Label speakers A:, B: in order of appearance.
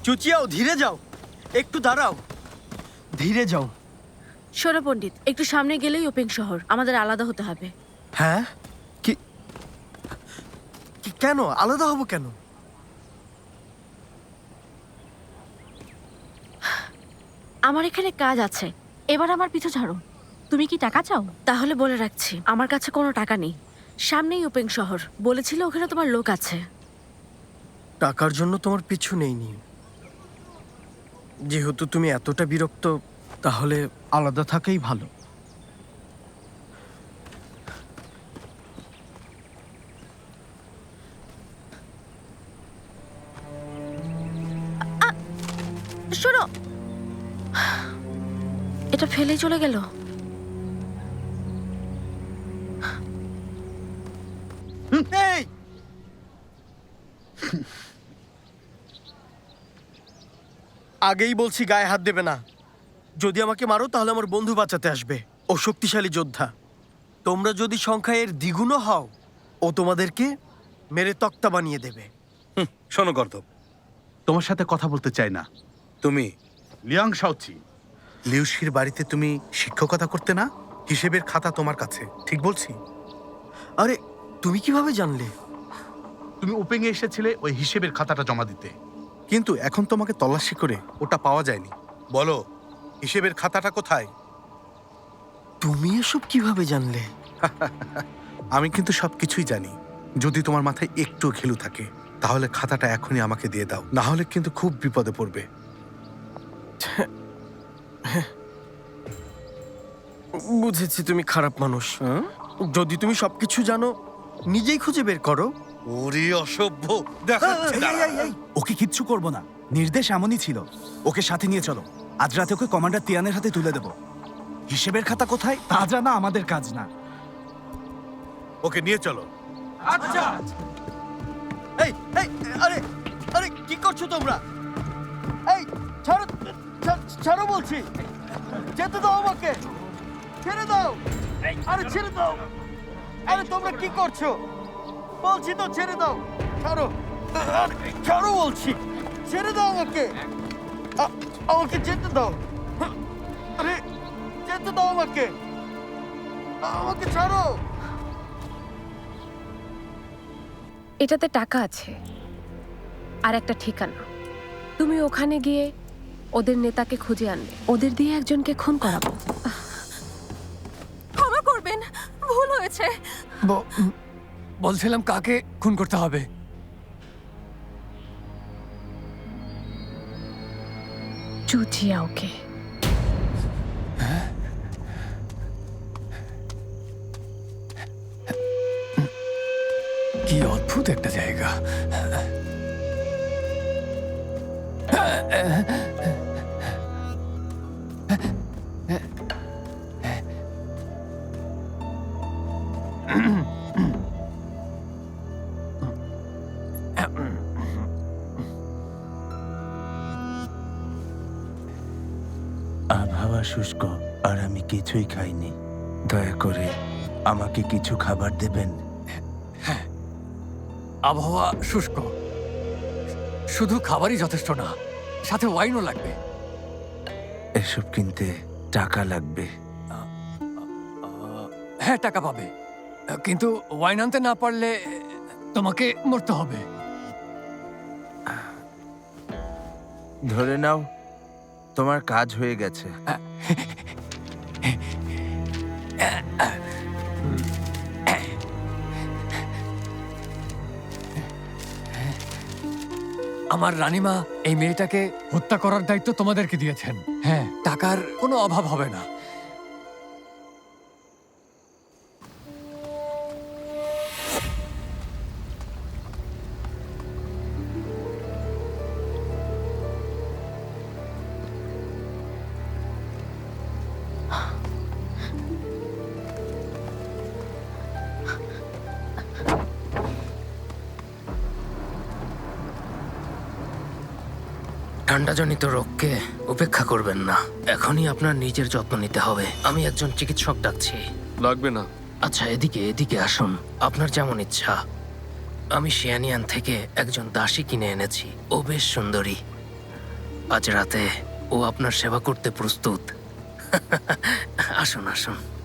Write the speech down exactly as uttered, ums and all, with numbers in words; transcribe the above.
A: চুচিয়াও, ধীরে যাও, একটু দাঁড়াও, ধীরে যাও।
B: শোনো পণ্ডিত, একটু সামনে গেলেই ওপেং শহর, আমাদের আলাদা হতে হবে।
A: হ্যাঁ, কি কি- কেন আলাদা হব কেন?
B: আমার এখানে কাজ আছে, এবার আমার পিছু ছাড়ো। তুমি কি টাকা চাও? তাহলে বলে রাখছি, আমার কাছে কোনো টাকা নেই। সামনেই ওপেং শহর, বলেছিল ওখানে তোমার লোক আছে।
A: টাকার জন্য তোমার পিছু নেইনি। যেহেতু তুমি এতটা বিরক্ত, তাহলে আলাদা থাকাই ভালো।
B: শোনো, এটা ফেলেই চলে গেল।
A: এই! আগেই বলছি গায়ে হাত দেবে না। যদি আমাকে মারো তাহলে আমার বন্ধু বাঁচাতে আসবে। ও শক্তিশালী যোদ্ধা। তোমরা যদি সংখ্যায় এর দ্বিগুণও হও, ও তোমাদেরকে মেরে তক্তা বানিয়ে দেবে।
C: শোনো গর্দব,
D: তোমার সাথে কথা বলতে চাই না।
C: তুমি
D: লিয়াং শাওচি,
C: লিউশির বাড়িতে তুমি শিক্ষকতা করতে না? হিসেবের খাতা তোমার কাছে, ঠিক বলছি?
A: আরে, তুমি কিভাবে জানলে?
D: তুমি ওপেং এ এসেছিলে ওই হিসেবের খাতাটা জমা দিতে।
C: কিন্তু এখন তোমাকে তল্লাশি করে ওটা পাওয়া যায়নি। বলো, হিসেবের খাতাটা কোথায়?
A: তুমি এসব কিভাবে জানলে?
C: আমি কিন্তু সবকিছুই জানি। যদি তোমার মাথায় একটু ঘিলু থাকে তাহলে খাতাটা এখনই আমাকে দিয়ে দাও, না হলে কিন্তু খুব বিপদে পড়বে।
A: বুঝেছি তুমি খারাপ মানুষ। যদি তুমি সবকিছু জানো, নিজেই খুঁজে বের করো।
C: ওরে অসভ্য, দেখাচ্ছি দাঁড়া।
E: ওকে কিচ্ছু করব না, নির্দেশ এমনই ছিল। ওকে সাথে নিয়ে চলো, আজ রাতে ওকে কমান্ডার তিয়ানের হাতে তুলে দেব। হিসেবের খাতা কোথায় তা জানা আমাদের কাজ না।
C: ওকে নিয়ে চলো।
A: এই এই আরে আরে কি করছো তোমরা? এই ছাড়ো, ছা- ছাড়ো বলছি। যেতে দাও আমাকে, ছেড়ে দাও। আরে ছেড়ে দাও। আরে তোমরা কি করছো? বলছি তো ছেড়ে দাও। ছাড়ো, আরে, ছাড়ো বলছি। ছেড়ে দাও আমাকে। আ- আমাকে যেতে দাও। আরে যেতে দাও আমাকে। আমাকে ছাড়ো।
F: এটাতে টাকা আছে আর একটা ঠিকানা। তুমি ওখানে গিয়ে ওদের নেতাকে খুঁজে আনবে, ওদের দিয়ে একজনকে খুন করাবো।
G: ক্ষমা করবেন, ভুল হয়েছে।
H: বলছিলাম কাকে খুন করতে হবে?
F: চুচিয়াওকে।
H: কি অদ্ভুত একটা জায়গা।
I: আবহাওয়া শুষ্ক আর আমি কিছুই খাইনি। দয়া করে আমাকে কিছু খাবার দেবেন।
H: আবহাওয়া শুষ্ক, শুধু খাবারই যথেষ্ট না, সাথে ওয়াইনও লাগবে।
I: এসব কিনতে টাকা লাগবে।
H: হ্যাঁ, টাকা পাবে, কিন্তু ওয়াইন আনতে না পারলে তোমাকে মরতে হবে।
I: ধরে নাও তোমার কাজ হয়ে গেছে।
H: আমার রানীমা এই মেয়েটাকে হত্যা করার দায়িত্ব তোমাদেরকে দিয়েছেন। হ্যাঁ, টাকার কোনো অভাব হবে না।
J: ঠান্ডাজনিত রোগকে উপেক্ষা করবেন না। এখনই আপনার নিজের যত্ন নিতে হবে। আমি একজন চিকিৎসক ডাকছি।
K: লাগবে না।
J: আচ্ছা, এদিকে এদিকে আসুন, আপনার যেমন ইচ্ছা। আমি শিয়ানিয়ান থেকে একজন দাসী কিনে এনেছি, ও বেশ সুন্দরী। আজ রাতে ও আপনার সেবা করতে প্রস্তুত। আসুন আসুন।